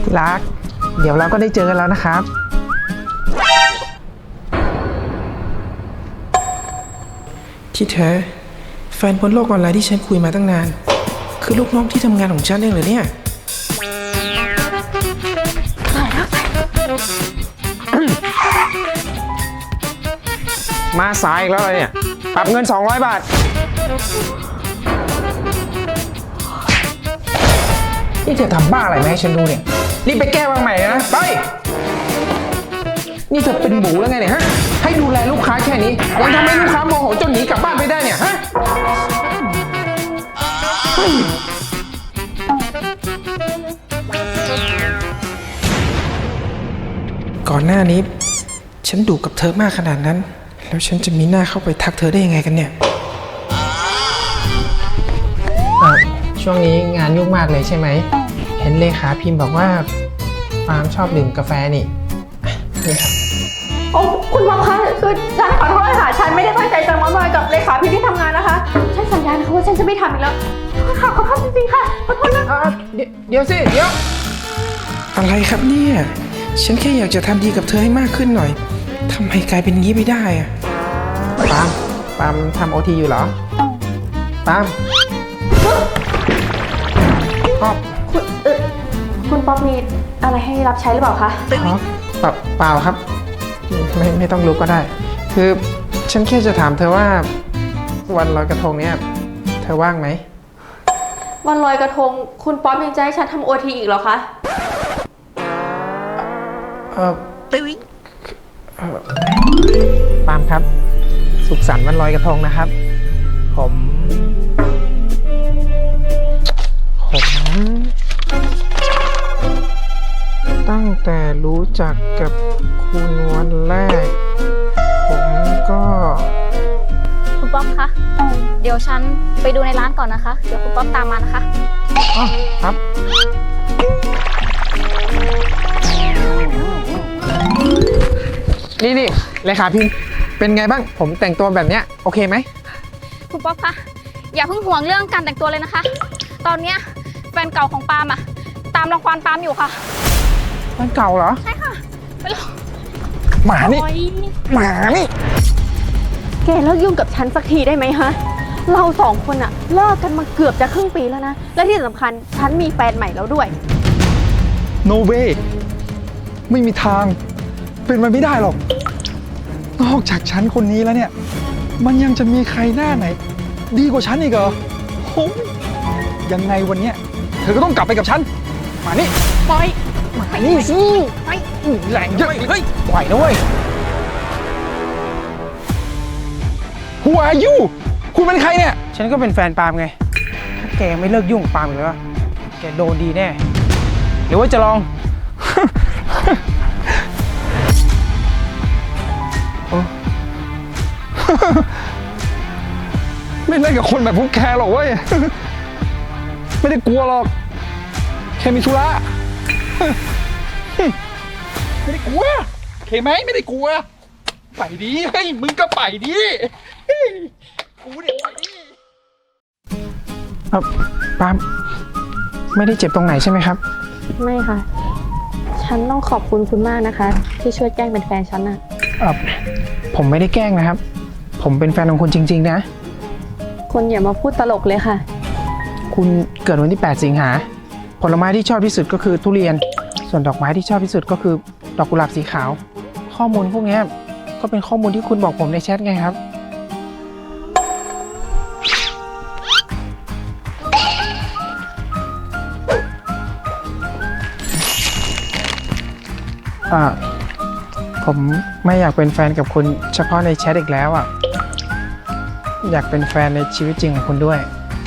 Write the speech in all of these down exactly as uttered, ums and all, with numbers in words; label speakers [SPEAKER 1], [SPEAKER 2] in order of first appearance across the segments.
[SPEAKER 1] ที่รักเดี๋ยวเราก็ได้เจอกันแล้วนะครับที่แท้แฟนบนโลกออนไลน์ที่ฉันคุยมาตั้งนานคือลูกน้องที่ทำงานของฉันเองเหรอเนี่ยมาสายอีกแล้วเลยเนี่ยปรับเงินสองร้อยบาทนี่เธอทำบ้าอะไรมาให้ฉันดูเนี่ยรีบไปแก้วางใหม่นะไปนี่เธอเป็นหมูแล้วไงเนี่ยฮะให้ดูแลลูกค้าแค่นี้ยังทำให้ลูกค้าโมโหจนหนีกลับบ้านไปได้เนี่ยฮะก่อนหน้านี้ฉันดุกับเธอมากขนาดนั้นแล้วฉันจะมีหน้าเข้าไปทักเธอได้ยังไงกันเนี่ยช่วงนี้งานยุ่งมากเลยใช่ไหมเห็นเลขาพิมพ์บอกว่าฟาร์มชอบดื่มกาแฟนี่นี่ครับ
[SPEAKER 2] โอ้คุณพ่อคะคือฉันขอโทษค่ะฉันไม่ได้ตั้งใจจะมาบ่อยกับเลขาพิมพ์ที่ทำงานนะคะฉันสัญญานะคะว่าฉันจะไม่ทำอีกแล้วค่ะขอโทษจริงๆค่ะขอโทษนะ
[SPEAKER 1] เดี๋ยวสิเดี๋ยวอะไรครับเนี่ยฉันแค่อยากจะทำดีกับเธอให้มากขึ้นหน่อยทำไมกลายเป็นงี้ไม่ได้อะปามปามทำโอทีอยู่เหรอปามป๊อป
[SPEAKER 2] คุณเออคุณป๊อปมีอะไรให้รับใช้หรือเปล่าคะ
[SPEAKER 1] อ๋อเปล่าเปล่าครับไม่ไม่ต้องรู้ก็ได้คือฉันแค่จะถามเธอว่าวันลอยกระทงเนี่ยเธอว่างไหม
[SPEAKER 2] วันลอยกระทงคุณป๊อปยังจะให้ฉันทำโอทีอีกเหรอคะ
[SPEAKER 1] เออปามครับสุขสันต์วันลอยกระทงนะครับผมผมตั้งแต่รู้จักกับคุณวันแรกผมก็
[SPEAKER 3] คุณป๊อปคะเดี๋ยวฉันไปดูในร้านก่อนนะคะเดี๋ยวคุณป๊อปตามมานะคะ
[SPEAKER 1] อ๋อครับนี่นี่เลขาพิมพ์เป็นไงบ้างผมแต่งตัวแบบเนี้ยโอเคไหม
[SPEAKER 3] คุณป๊อปคะอย่าเพิ่งห่วงเรื่องการแต่งตัวเลยนะคะตอนเนี้ยแฟนเก่าของปาล์มอะตามรังควานปาล์มอยู่ค่ะ
[SPEAKER 1] แฟนเก่าเหรอ
[SPEAKER 3] ใช่ค่ะไปเลย
[SPEAKER 1] หมานี่หมานี่
[SPEAKER 2] แกเลิกยุ่งกับฉันสักทีได้ไหมฮะเราสองคนอะเลิกกันมาเกือบจะครึ่งปีแล้วนะและที่สำคัญฉันมีแฟนใหม่แล้วด้วย
[SPEAKER 4] No way ไม่มีทางเป็นไปไม่ได้หรอกนอกจากฉันคนนี้แล้วเนี่ยมันยังจะมีใครหน้าไหนดีกว่าฉันอีกเหรอโอ้ยยังไงวันเนี้ยเธอก็ต้องกลับไปกับฉันมานี่
[SPEAKER 2] ปล่อย
[SPEAKER 4] มานี่สิไปแรงเยอะเฮ้ยปล่อยนะเว้ย Who are you คุณเป็นใครเนี่ย
[SPEAKER 1] ฉันก็เป็นแฟนปาล์มไงถ้าแกไม่เลิกยุ่งกับปาล์มอีกแล้วแกโดนดีแน่หรือว่าจะลอง
[SPEAKER 4] ไม่เล่นกับคนแบบพวกแกหรอกเว้ยไม่ได้กลัวหรอกแค่มีธุระไม่ได้กลัวโอเคไหมไม่ได้กลัวไปดิเฮ้ยมึงก็ไปดิกูเนี่ยไปดิ
[SPEAKER 1] เออปาล์มไม่ได้เจ็บตรงไหนใช่ไหมครับ
[SPEAKER 2] ไม่ค่ะฉันต้องขอบคุณคุณมากนะคะที่ช่วยแกล้งเป็นแฟนฉันน่ะ
[SPEAKER 1] เออผมไม่ได้แกล้งนะครับผมเป็นแฟนของคุณจริงๆนะ
[SPEAKER 2] คุณอย่ามาพูดตลกเลยค่ะ
[SPEAKER 1] คุณเกิดวันที่แปดสิงหาผลไม้ที่ชอบที่สุดก็คือทุเรียนส่วนดอกไม้ที่ชอบที่สุดก็คือดอกกุหลาบสีขาวข้อมูลพวกนี้ก็เป็นข้อมูลที่คุณบอกผมในแชทไงครับอ่าผมไม่อยากเป็นแฟนกับคุณเฉพาะในแชทอีกแล้วอ่ะอยากเป็นแฟนในชีวิตจริงของคุณด้วย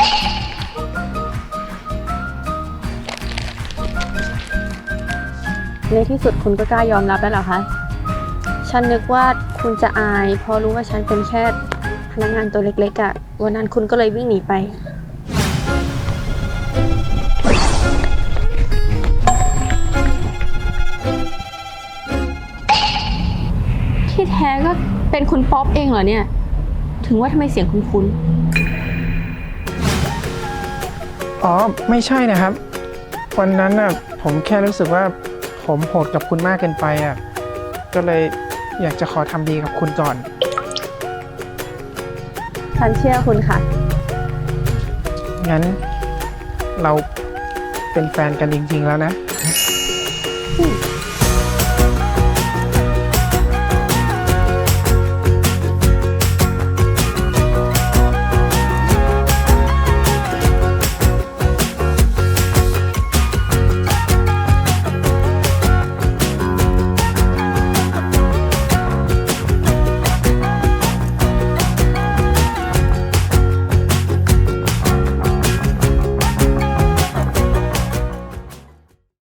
[SPEAKER 2] ในที่สุดคุณก็กล้ายอมรับแล้วเหรอคะฉันนึกว่าคุณจะอายเพราะรู้ว่าฉันเป็นแค่พนักงานตัวเล็กๆอ่ะวันนั้นคุณก็เลยวิ่งหนีไปที่แท้ก็เป็นคุณป๊อปเองเหรอเนี่ยถึงว่าทำไมเสียงคุ้น
[SPEAKER 1] ๆอ๋อไม่ใช่นะครับวันนั้นน่ะผมผมแค่รู้สึกว่าผมโหดกับคุณมากเกินไปอ่ะ ก็เลยอยากจะขอทำดีกับคุณก่อน
[SPEAKER 2] ฉันเชื่อคุณค่ะ
[SPEAKER 1] งั้นเราเป็นแฟนกันจริงๆแล้วนะ
[SPEAKER 2] อืม